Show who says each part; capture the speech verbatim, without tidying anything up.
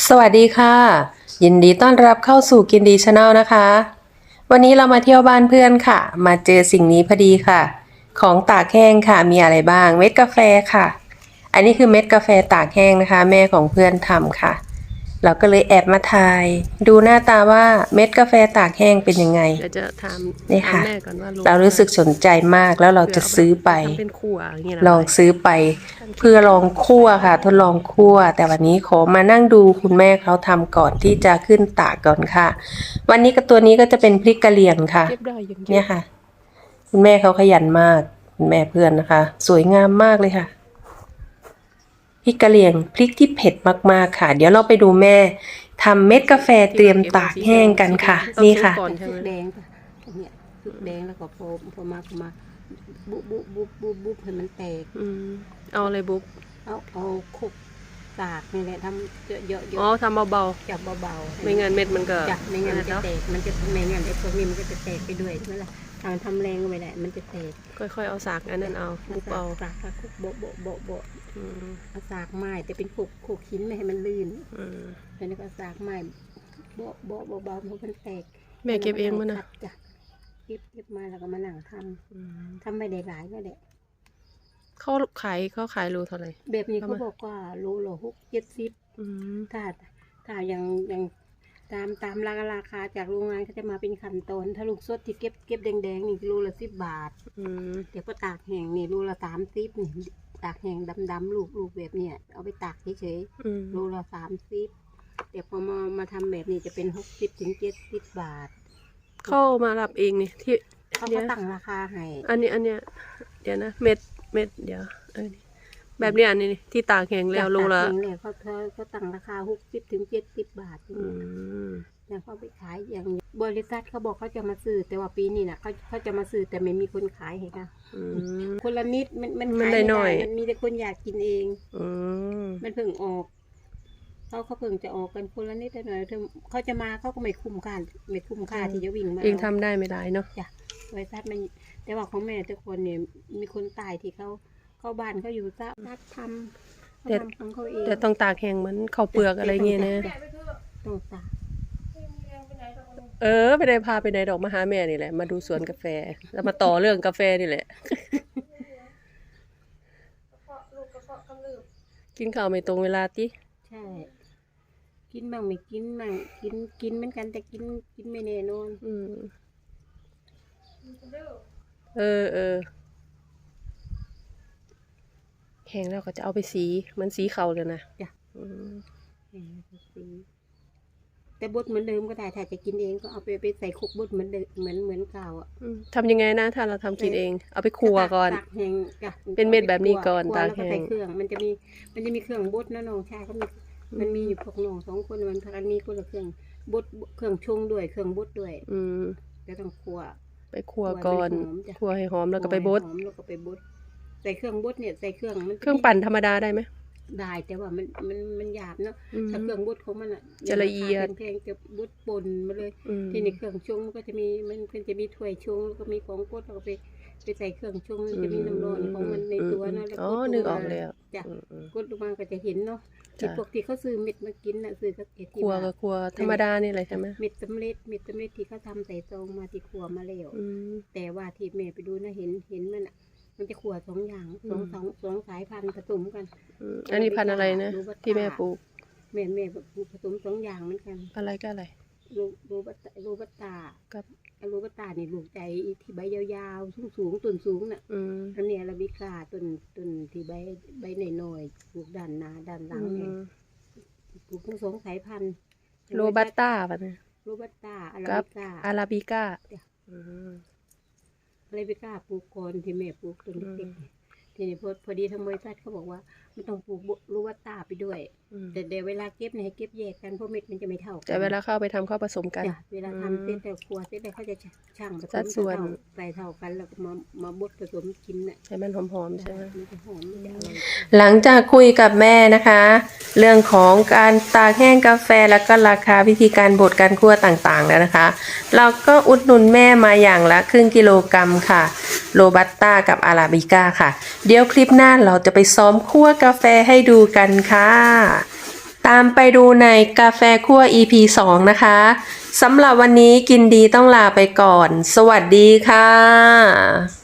Speaker 1: สวัสดีค่ะยินดีต้อนรับเข้าสู่กินดีชาแนลนะคะวันนี้เรามาเที่ยวบ้านเพื่อนค่ะมาเจอสิ่งนี้พอดีค่ะของตากแห้งค่ะมีอะไรบ้างเม็ดกาแฟค่ะอันนี้คือเม็ดกาแฟตากแห้งนะคะแม่ของเพื่อนทำค่ะเราก็เลยแอบมาถ่ายดูหน้าตาว่าเม็ดกาแฟตากแห้งเป็นยังไง
Speaker 2: เดี๋ยวจะถาม
Speaker 1: นี่ค่ะ
Speaker 2: แม่ก่อนว่า
Speaker 1: เรารู้สึกสนใจมากแล้วเราจะซื้อไปลองซื้อไปเพื่อลองคั่วค่ะทดลองคั่วแต่วันนี้ขอมานั่งดูคุณแม่เขาทำก่อนที่จะขึ้นตากก่อนค่ะวันนี้กับตัวนี้ก็จะเป็นพริกกะเหรี่ยงค่ะเนี่ยค่ะคุณแม่เขาขยันมากคุณแม่เพื่อนนะคะสวยงามมากเลยค่ะพริกกะเหรี่ยงพริกที่เผ็ดมากๆค่ะเดี๋ยวเราไปดูแม่ทำเม็ดกาแฟเตรียมตากแห้งกันค่ะนี่ค่ะ
Speaker 3: แดงเนี่ยแดงแล้วก็พอพอมาพอมาบุบบุบบุบบุบบุบให้มันแตก
Speaker 2: อืมเอาอะไรบุ๊ก
Speaker 3: เอาเอาคุกตากนี่แหละทำเยอะเยอะ
Speaker 2: อ๋อทำเบา
Speaker 3: ๆจับเบา
Speaker 2: ๆไม่งั้นเม็ดมันก็
Speaker 3: จับไม่งั้นมันจะแตกมันจะไม่งั้นไอ้พวกนี้มันก็จะแตกไปด้วยใช่ไหมล่ะทำทำแรงไปแหละมันจะแตก
Speaker 2: ค่อยๆเอาสากอันนั้นเอาบุบเอา
Speaker 3: สากคุกโบโบโบโบเอาสากไม้แต่เป็นคุกคุกหินไม่ให้มันลื่นแล้วนี่ก็สากไม้โบโบโบเบาเพราะมันแตก
Speaker 2: แม่เก็บเองมั้ยนะ
Speaker 3: เก็บเก็บมาแล้วก็มานั่งทำทำไม่ได้หลายก็แหละ
Speaker 2: เขาขายเขาขายรูเท่าไหร่
Speaker 3: แบบนี้เขาบอกว่ารูละหกเจ็ดสิบถ้าถ้าอย่างอย่างตามตามราคาราคาจากโรงงานเขาจะมาเป็นขั้นตอนถ้าลูกสดที่เก็บเก็บแดงๆนี่รูละสิบบาทเดี๋ยวพอตากแห้งนี่รูละสามสิบนี่ตากแห้งดำๆลูกลูกแบบเนี้ยเอาไปตากเฉยๆรูละสามสิบเดี๋ยวพอมามาทำแบบนี้จะเป็นหกสิบถึงเจ็ดสิบบาท
Speaker 2: เข้ามารับเองนี่ที่
Speaker 3: เขาก็ตั้งราคาให้
Speaker 2: อันนี้อันเนี้ยเดี๋ยวนะเม็ดเม็ดเดี๋ยวเออแบบนี้อันนี้ที่ตากแห้งแล้วโลละ
Speaker 3: เขาเขาเขาตั้งราคาหกสิบถึงเจ็ดสิบบาทอย่างเขาไปขายอย่างบริษัทเขาบอกเขาจะมาซื้อแต่ว่าปีนี้นะเขาเขาจะมาซื้อแต่ไม่มีคนขายให้ค่ะคนละนิดมันมันขายไม่ได้มันมีแต่คนอยากกินเองมันเพิ่งออกเขาเขาเพิ่งจะออกกันคนละนิดหน่อยเขาจะมาเขาก็ไม่คุ้มค่าไม่คุ้มค่าที่จะวิ่งมา
Speaker 2: เองทำได้ไม่ได้เนาะ
Speaker 3: จ้ะบริษัทมันแต่ว่าของแม่ทุกคนเนี่ยมีคนตายที่เขาเข้าบ้านเขาอยู่ซะนักทำ
Speaker 2: แต่แต่ต้องตากแห้งเหมือนข้าวเปลือกอะไรเงี้ยนะ
Speaker 3: ต้องตาก
Speaker 2: เออไปได้พาไปไหนดอกมาหาแม่นี่แหละมาดูสวนกาแฟแล้วมาต่อเรื่องกาแฟนี่แหละกินข้าวไม่ตรงเวลาติ
Speaker 3: ใช่กินบ้างไม่กินบ้างกินกินเหมือนกันแต่กินกินไม่แน่นอน
Speaker 2: อืมเออเออแห้งแล้วก็จะเอาไปสีมันสีเขาเลยนะ
Speaker 3: จ้ะสีแต่บดเหมือนเดิมก็ได้ถ้าจะกินเองก็เอาไปไปใส่คุกบดเหมือนเดิมเหมือนเหมือนเก่าอ่ะ
Speaker 2: ทำยังไงนะถ้าเราทำกินเองเอาไปคั่วก่อน
Speaker 3: ตากแห้ง
Speaker 2: เป็นเม็ดแบบนี้ก่อนตากแห้ง
Speaker 3: ใส่เครื่องมันจะมีมันจะมีเครื่องบดนะน้องชายเขามีมันมีอยู่พวกน้องสองคนมันพากันมีคนละเครื่องบดเครื่องชงด้วยเครื่องบดด้วย
Speaker 2: อืม
Speaker 3: จะต้องคั่ว
Speaker 2: ไปคั่วก่อนคั่วให้หอมแล้วก็ไปบด
Speaker 3: หอมแล้วก็ไปบดใส่เครื่องบดเนี่ยใส่เครื่องมัน
Speaker 2: เครื่องปั่นธรรมดาได้ไหม
Speaker 3: ได้แต่ว่ามันมันมันหยาบเนาะถ้าเครื่องบดของมันอ่ะ
Speaker 2: จะละเอียด
Speaker 3: แพงจะบดปนมาเลยที่ในเครื่องชงก็จะมีมันมันจะมีถ้วยชงแล้วก็มีของบดแล้วก็ไปไปใส่เครื่องชงมันจะมีน้ำร้อนของมันในตัวนะแล้ว
Speaker 2: ก็นึกออกเลย
Speaker 3: จ้ะกดลงมาก็จะเห็นเนาะที่พวกที่เขาซื้อเม็ดมากินน่ะซื้อสักเอ็ดที่
Speaker 2: ครัวก็ครัวธรรมดานี่แหละใช่ไหม
Speaker 3: เม็ดสำเร็จเม็ดสำเร็จที่เขาทำใส่ซองมาที่ครัวมาแล้วแต่ว่าที่แม่ไปดูนะเห็นเห็นมันอ่ะมันจะขวดสองอย่างสองสองสองสายพันธุ์ผสมกัน
Speaker 2: อันนี้พันธุ์อะไรนะที่แม่ปลูก
Speaker 3: แม่แม่ปลูกผสมสองอย่างเหมือนกัน
Speaker 2: อะไรก็อะไร
Speaker 3: รูรูบัตรูบัตตากับรูบัตตานี่ลูกใจที่ใบยาวๆสูงสูงต้นสูงน่ะอันนี้อาราบิก้าต้นต้นที่ใบใบหน่อยๆปลูกด้านหน้าด้านหลังเนี่ยปลูกทั้งสองสายพันธุ์
Speaker 2: โรบัสต้าป่ะเนี่ย
Speaker 3: โรบัสต้าอาราบิก้า
Speaker 2: อาราบิก้า
Speaker 3: อาราบิก้าปลูกก่อนที่แม่ปลูกต้นเล็กๆทีนี้พอพอดีทางบริษัทเขาบอกว่าไม่ต้องปลูกโรบัสต้าไปด้วยแต่เดี๋ยวเวลาเก็บเนี่ยให้เก็บแยกกันเพราะเม็ดมันจะไม่เท่ากัน
Speaker 2: แต่เวลาเข้าไปทำเข้าผสมกัน
Speaker 3: เวลาทำเส้นแต่ครัวเส้นแต่เขาจะช่างผสม
Speaker 2: ส่วน
Speaker 3: ใส่เท่ากันแล้วก็มามาบดผสมกินน่ะ
Speaker 2: ให้มันหอมๆใช่ไหม
Speaker 1: หลังจากคุยกับแม่นะคะเรื่องของการตากแห้งกาแฟแล้วก็ราคาวิธีการบดการคั่วต่างๆแล้วนะคะเราก็อุดหนุนแม่มาอย่างละครึ่งกิโลกรัมค่ะโรบัสต้ากับอาราบิก้าค่ะเดี๋ยวคลิปหน้าเราจะไปซ้อมคั่วกาแฟให้ดูกันค่ะตามไปดูในกาแฟคั่ว อี พี สอง นะคะสำหรับวันนี้กินดีต้องลาไปก่อน สวัสดีค่ะ